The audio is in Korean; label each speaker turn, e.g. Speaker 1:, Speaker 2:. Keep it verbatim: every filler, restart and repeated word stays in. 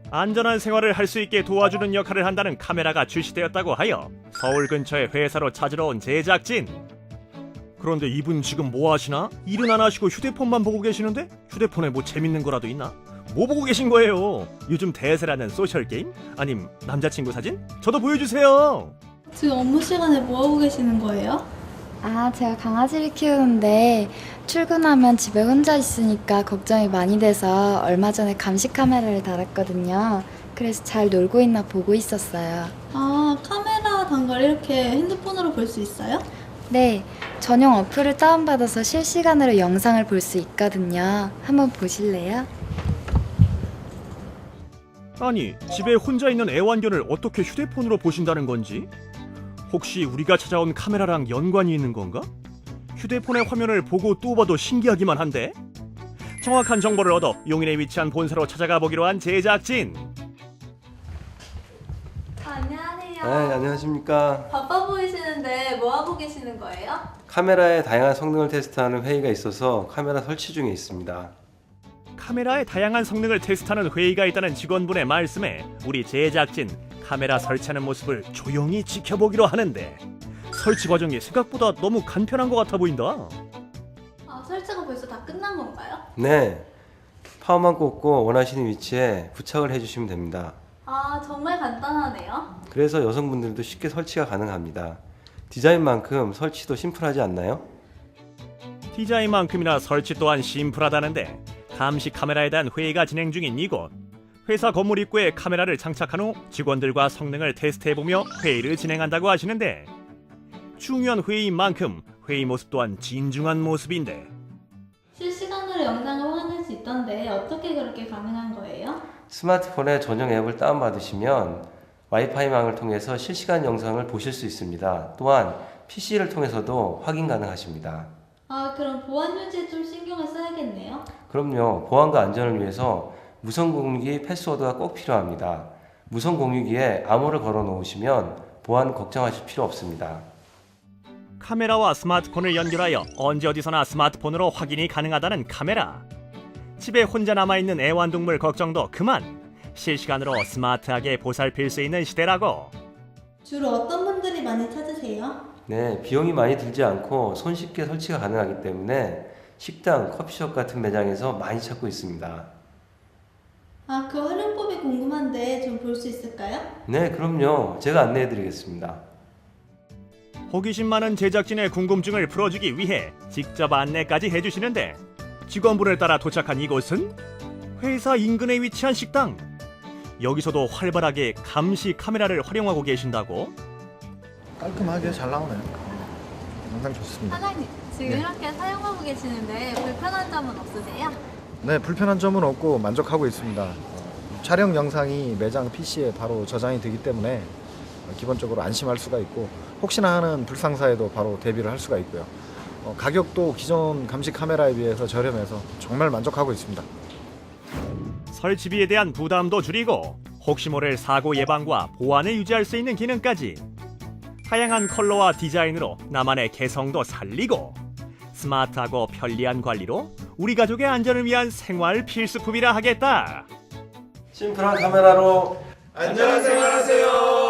Speaker 1: 안전한 생활을 할 수 있게 도와주는 역할을 한다는 카메라가 출시되었다고 하여 서울 근처의 회사로 찾으러 온 제작진. 그런데 이분 지금 뭐 하시나? 일은 안 하시고 휴대폰만 보고 계시는데? 휴대폰에 뭐 재밌는 거라도 있나? 뭐 보고 계신 거예요? 요즘 대세라는 소셜게임? 아님 남자친구 사진? 저도 보여주세요.
Speaker 2: 지금 업무 시간에 뭐 하고 계시는 거예요?
Speaker 3: 아, 제가 강아지를 키우는데 출근하면 집에 혼자 있으니까 걱정이 많이 돼서 얼마 전에 감시 카메라를 달았거든요. 그래서 잘 놀고 있나 보고 있었어요.
Speaker 2: 아, 카메라 단걸 이렇게 핸드폰으로 볼 수 있어요?
Speaker 3: 네, 전용 어플을 다운받아서 실시간으로 영상을 볼 수 있거든요. 한번 보실래요?
Speaker 1: 아니 집에 혼자 있는 애완견을 어떻게 휴대폰으로 보신다는 건지? 혹시 우리가 찾아온 카메라랑 연관이 있는 건가? 휴대폰의 화면을 보고 또 봐도 신기하기만 한데? 정확한 정보를 얻어 용인에 위치한 본사로 찾아가 보기로 한 제작진.
Speaker 2: 안녕하세요.
Speaker 4: 네, 안녕하십니까.
Speaker 2: 바빠 보이시는데 뭐 하고 계시는 거예요?
Speaker 4: 카메라의 다양한 성능을 테스트하는 회의가 있어서 카메라 설치 중에 있습니다.
Speaker 1: 카메라의 다양한 성능을 테스트하는 회의가 있다는 직원분의 말씀에 우리 제작진 카메라 설치하는 모습을 조용히 지켜보기로 하는데 설치 과정이 생각보다 너무 간편한 것 같아 보인다.
Speaker 2: 아, 설치가 벌써 다 끝난 건가요?
Speaker 4: 네, 파워만 꽂고 원하시는 위치에 부착을 해주시면 됩니다.
Speaker 2: 아, 정말 간단하네요.
Speaker 4: 그래서 여성분들도 쉽게 설치가 가능합니다. 디자인만큼 설치도 심플하지 않나요?
Speaker 1: 디자인만큼이나 설치 또한 심플하다는데 감시 카메라에 대한 회의가 진행 중인 이곳. 회사 건물 입구에 카메라를 장착한 후 직원들과 성능을 테스트해보며 회의를 진행한다고 하시는데 중요한 회의인 만큼 회의 모습 또한 진중한 모습인데
Speaker 2: 실시간으로 영상을 확인할 수 있던데 어떻게 그렇게 가능한 거예요?
Speaker 4: 스마트폰에 전용 앱을 다운받으시면 와이파이망을 통해서 실시간 영상을 보실 수 있습니다. 또한 피시를 통해서도 확인 가능하십니다.
Speaker 2: 아, 그럼 보안 유지에 좀 신경을 써야겠네요.
Speaker 4: 그럼요. 보안과 안전을 위해서 무선 공유기 패스워드가 꼭 필요합니다. 무선 공유기에 암호를 걸어 놓으시면 보안 걱정하실 필요 없습니다.
Speaker 1: 카메라와 스마트폰을 연결하여 언제 어디서나 스마트폰으로 확인이 가능하다는 카메라. 집에 혼자 남아있는 애완동물 걱정도 그만. 실시간으로 스마트하게 보살필 수 있는 시대라고.
Speaker 2: 주로 어떤 분들이 많이 찾으세요?
Speaker 4: 네, 비용이 많이 들지 않고 손쉽게 설치가 가능하기 때문에 식당, 커피숍 같은 매장에서 많이 찾고 있습니다.
Speaker 2: 아, 그 활용법이 궁금한데 좀 볼 수 있을까요?
Speaker 4: 네, 그럼요. 제가 안내해 드리겠습니다.
Speaker 1: 호기심 많은 제작진의 궁금증을 풀어주기 위해 직접 안내까지 해주시는데 직원분을 따라 도착한 이곳은 회사 인근에 위치한 식당. 여기서도 활발하게 감시 카메라를 활용하고 계신다고?
Speaker 5: 깔끔하게 잘 나오네요. 영상 좋습니다.
Speaker 2: 사장님, 지금
Speaker 5: 네.
Speaker 2: 이렇게 사용하고 계시는데 불편한 점은 없으세요?
Speaker 5: 네, 불편한 점은 없고 만족하고 있습니다. 어, 촬영 영상이 매장 피시에 바로 저장이 되기 때문에 어, 기본적으로 안심할 수가 있고 혹시나 하는 불상사에도 바로 대비를 할 수가 있고요. 어, 가격도 기존 감시 카메라에 비해서 저렴해서 정말 만족하고 있습니다.
Speaker 1: 설치비에 대한 부담도 줄이고 혹시 모를 사고 예방과 보안을 유지할 수 있는 기능까지 다양한 컬러와 디자인으로 나만의 개성도 살리고 스마트하고 편리한 관리로 우리 가족의 안전을 위한 생활 필수품이라 하겠다.
Speaker 4: 심플한 카메라로
Speaker 6: 안전한 생활하세요.